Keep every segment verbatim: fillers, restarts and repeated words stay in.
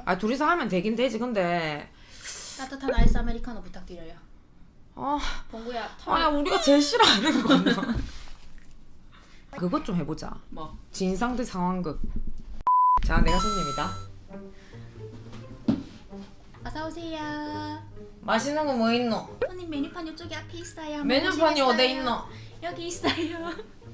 아 둘이서 하면 되긴 되지. 근데 따뜻한 아이스 아메리카노 부탁드려요. 아, 봉구야. 아야 우리가 제일 싫어하는 거나. 그것 좀 해보자. 뭐? 진상 대 상황극. 자, 내가 손님이다. 어서 오세요. 맛있는 거 뭐 있노? 손님 메뉴판 이쪽에 앞에 있어요. 한번 메뉴판이 보시겠어요? 어디 있노? 여기 있어요.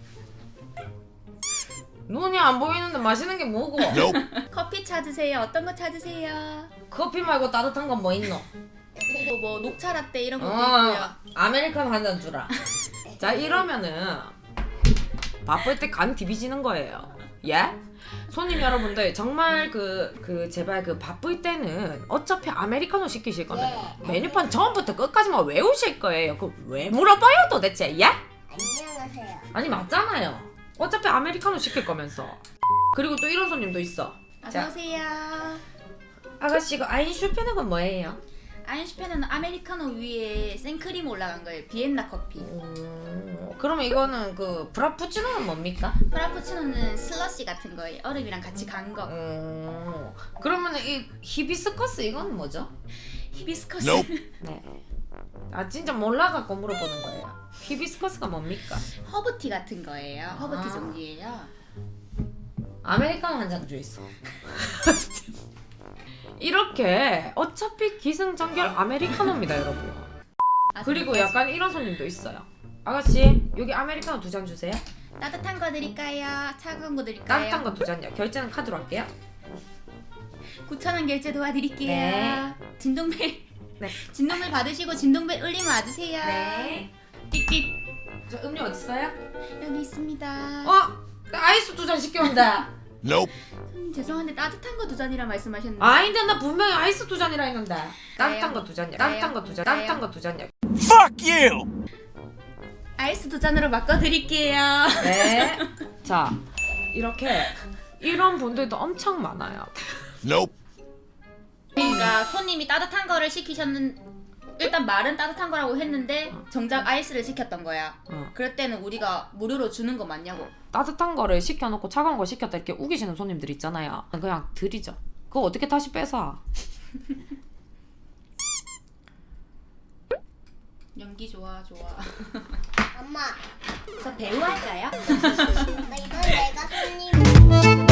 눈이 안 보이는데 맛있는 게 뭐고? 커피 찾으세요. 어떤 거 찾으세요? 커피 말고 따뜻한 건 뭐 있노? 뭐, 뭐 녹차 라떼 이런 것도 어, 있고요. 아메리카노 한 잔 주라. 자, 이러면은 바쁠 때 간 디비지는 거예요. 예? 손님 여러분들 정말 그, 그 제발 그 바쁠 때는 어차피 아메리카노 시키실 거면 메뉴판 처음부터 끝까지만 외우실 거예요. 그 왜 물어봐요 도대체? 예? 안녕하세요. 아니 맞잖아요. 어차피 아메리카노 시킬 거면서. 그리고 또 이런 손님도 있어. 어서 자, 오세요. 아가씨 이거 아인슈페는 건 뭐예요? 아인슈페는 아메리카노 위에 생크림 올라간 거예요. 비엔나 커피. 음, 그러면 이거는 그 브라푸치노는 뭡니까? 프라푸치노는 슬러시 같은 거예요. 얼음이랑 같이 간 거. 음, 그러면 이 히비스커스 이건 뭐죠? 히비스커스. 네. 아 진짜 몰라갖고 물어보는 거예요. 히비스커스가 뭡니까? 허브티 같은 거예요. 허브티 아. 종류예요. 아메리카노 한 잔 줘 있어. 이렇게 어차피 기승전결 아메리카노입니다, 여러분. 아, 그리고 진짜? 약간 이런 손님도 있어요. 아가씨 여기 아메리카노 두 잔 주세요. 따뜻한 거 드릴까요? 차가운 거 드릴까요? 따뜻한 거 두 잔요. 결제는 카드로 할게요. 구천 원 결제 도와드릴게요. 네. 진동벨. 네. 진동벨 받으시고 진동벨 울리면 와주세요. 네. 띡띡. 저 음료 어디 있어요? 여기 있습니다. 어? 나 아이스 두 잔 시켰는데. 손님 죄송한데 따뜻한 거 두 잔이라 말씀하셨는데. 아닌데 나 분명히 아이스 두 잔이라 했는데. 따뜻한 나요? 거 두 잔이야. 나요? 따뜻한 거 두 잔. 나요? 따뜻한 거 두 잔이야. Fuck you! 아이스 두 잔으로 바꿔드릴게요. 네. 자, 이렇게 이런 분들도 엄청 많아요. Nope. 그러니까 손님이 따뜻한 거를 시키셨는 일단 말은 따뜻한 거라고 했는데 정작 아이스를 시켰던 거야. 어. 그럴 때는 우리가 무료로 주는 거 맞냐고. 따뜻한 거를 시켜놓고 차가운 거 시켰다 이렇게 우기시는 손님들 있잖아요. 그냥 드리죠. 그거 어떻게 다시 뺏어? 연기 좋아 좋아. 엄마, 저 배우 할까요? 나 이건 내가 손님.